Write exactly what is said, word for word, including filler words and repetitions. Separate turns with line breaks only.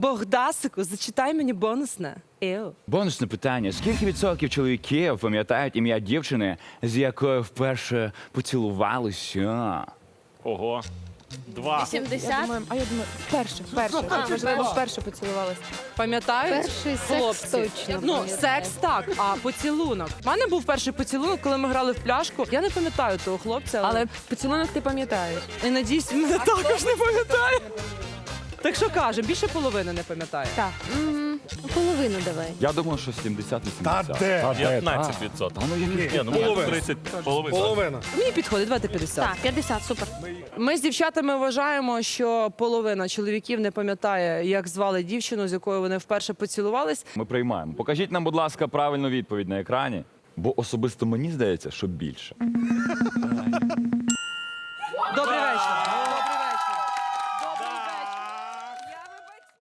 Богдасику, зачитай мені бонусне. Еу.
Бонусне питання. Скільки відсотків чоловіків пам'ятають ім'я дівчини, з якою вперше поцілувалися?
Ого. Два.
Я
сімдесят.
думаю, а я думаю, вперше, вперше.
А,
Можливо,
вперше.
вперше поцілувалась.
Пам'ятають?
Перший секс
Хлопці?
точно
Ну,
пам'ятаю.
секс так, а поцілунок. У мене був перший поцілунок, коли ми грали в пляшку. Я не пам'ятаю того хлопця, але,
Але поцілунок ти пам'ятаєш.
і надіюсь, він мене також не пам'ятає. Так що каже, більше половини не пам'ятає.
Так.
Мгм. Половину давай.
Я думаю, що сімдесят-вісімдесят.
Та де?
п'ятнадцять відсотків.
Ну, я не...
Ні, ну може тридцять. Половина.
Половина.
Мені підходить, давайте п'ятдесят.
Так, п'ятдесят, супер.
Ми з дівчатами вважаємо, що половина чоловіків не пам'ятає, як звали дівчину, з якою вони вперше поцілувались.
Ми приймаємо. Покажіть нам, будь ласка, правильну відповідь на екрані, бо особисто мені здається, що більше.